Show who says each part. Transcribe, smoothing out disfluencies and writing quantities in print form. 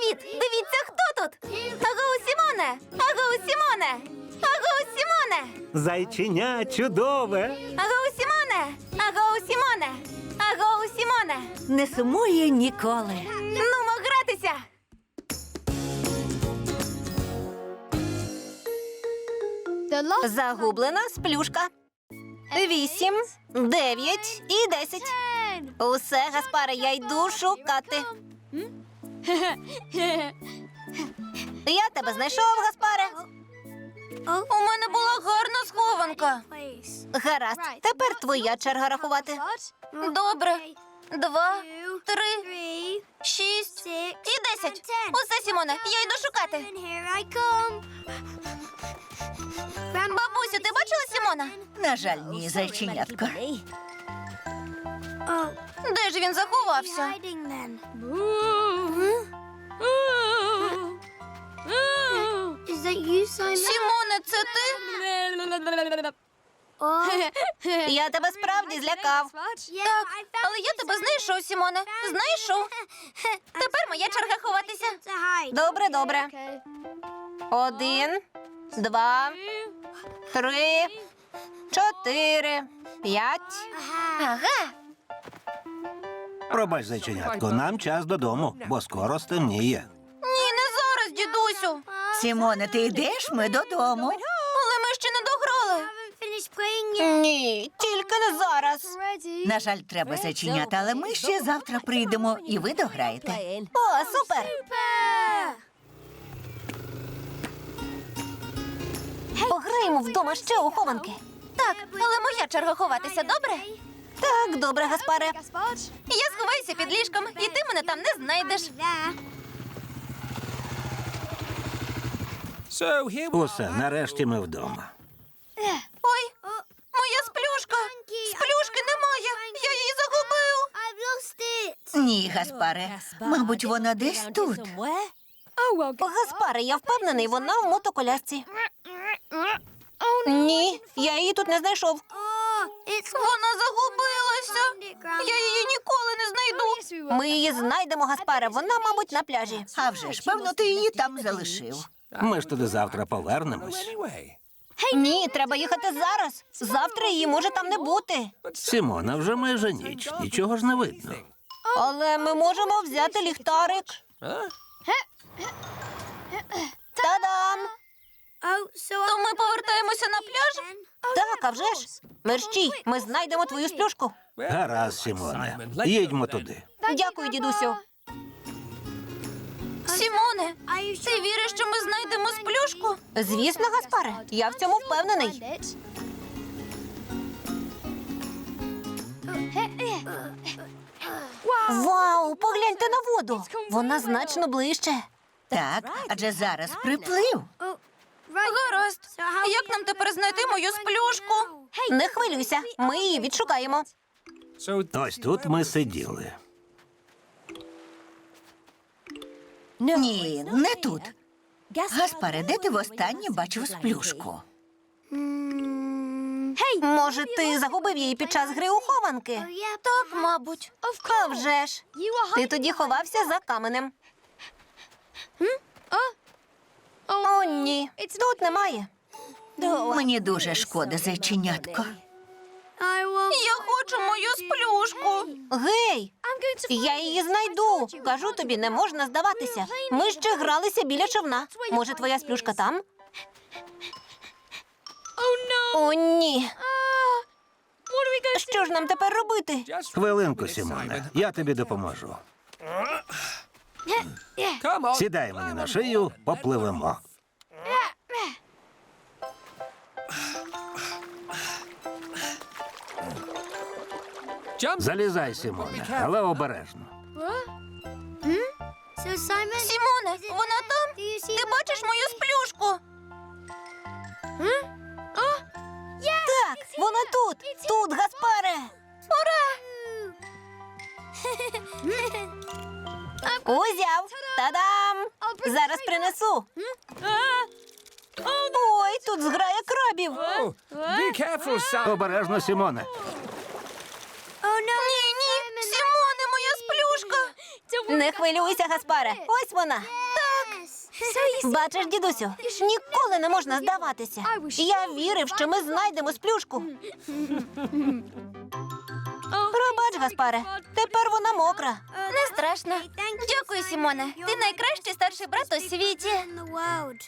Speaker 1: Привіт! Дивіться, хто тут! Агоу, Сімоне! Агоу, Сімоне! Агоу, Сімоне!
Speaker 2: Зайченя чудове.
Speaker 1: Агоу, Сімоне! Агоу, Сімоне! Агоу, Сімоне!
Speaker 3: Не сумує ніколи.
Speaker 1: Нумо гратися! Загублена сплюшка. 8, 9 і 10. Усе, Гаспаре, я йду шукати. Я тебе знайшов, Гаспаре. У мене була гарна схованка. Гаразд, тепер твоя черга рахувати. Добре. 2, 3, 6 і 10. Усе, Сімоне, я йду шукати. Бабусю, ти бачила Сімона?
Speaker 3: На жаль, ні, зайченятко.
Speaker 1: Де ж він заховався? Сімоне, це ти? Я тебе справді злякав. Так, але я тебе знайшов, Сімоне. Знайшов. Тепер моя черга ховатися. Добре, добре. 1, 2, 3, 4, 5. Ага.
Speaker 2: Пробач, зайченятко, нам час додому, бо скоро стемніє.
Speaker 1: Ні, не зараз, дідусю.
Speaker 3: Сімоне, ти йдеш? Ми додому.
Speaker 1: Але ми ще не дограли. Ні, тільки не зараз.
Speaker 3: На жаль, треба зайченята, але ми ще завтра прийдемо, і ви дограєте.
Speaker 1: О, супер. Пограємо вдома ще у хованки. Так, але моя черга ховатися, добре? Так, добре, Гаспаре. Я сховаюся під ліжком, і ти мене там не знайдеш.
Speaker 2: Усе, нарешті ми вдома.
Speaker 1: Ой, моя сплюшка. Сплюшки немає. Я її загубив.
Speaker 3: Ні, Гаспаре, мабуть, вона десь тут.
Speaker 1: Гаспаре, я впевнений, вона в мотоколясці. Ні, я її тут не знайшов. Вона загубилася. Я її ніколи не знайду. Ми її знайдемо, Гаспаре. Вона, мабуть, на пляжі.
Speaker 3: А вже ж, певно, ти її там залишив.
Speaker 2: Ми ж туди завтра повернемось.
Speaker 1: Ні, треба їхати зараз. Завтра її може там не бути.
Speaker 2: Сімона, вже майже ніч, нічого ж не видно.
Speaker 1: Але ми можемо взяти ліхтарик. Та-дам! То ми повертаємося на пляж? Так, а вже ж. Мерщій, ми знайдемо твою сплюшку.
Speaker 2: Гаразд, Сімоне, їдьмо туди.
Speaker 1: Дякую, дідусю. Сімоне, ти віриш, що ми знайдемо сплюшку? Звісно, Гаспаре, я в цьому впевнений. Вау, погляньте на воду. Вона значно ближче.
Speaker 3: Так, адже зараз приплив.
Speaker 1: Гаразд. Як нам тепер знайти мою сплюшку? Не хвилюйся, ми її відшукаємо.
Speaker 2: Ось тут ми сиділи.
Speaker 3: Ні, не тут. Гаспаре, де ти востаннє бачив сплюшку?
Speaker 1: Може, ти загубив її під час гри у хованки? Так, мабуть. А вже ж. Ти тоді ховався за каменем. О, ні. Тут немає.
Speaker 3: Мені дуже шкода, зайченятко.
Speaker 1: Я хочу мою сплюшку. Гей, я її знайду. Кажу тобі, не можна здаватися. Ми ще гралися біля човна. Може, твоя сплюшка там? О, ні. Що ж нам тепер робити?
Speaker 2: Хвилинку, Сімоне, я тобі допоможу. Сідай мені на шию, попливемо. Залізай, Сімоне, але обережно.
Speaker 1: Сімоне, вона там? Ти бачиш мою сплюшку? Так, вона тут. Тут, Гаспаре. Ура! Узяв. Та-дам! Зараз принесу. Ой, тут зграя крабів.
Speaker 2: Обережно, Сімоне.
Speaker 1: Ні, ні, Сімоне, моя сплюшка. Не хвилюйся, Гаспаре. Ось вона. Бачиш, дідусю, ніколи не можна здаватися. Я вірив, що ми знайдемо сплюшку. Пробач, Гаспаре, тепер вона мокра. Не страшно. Дякую, Сімоне. Ти найкращий старший брат у світі.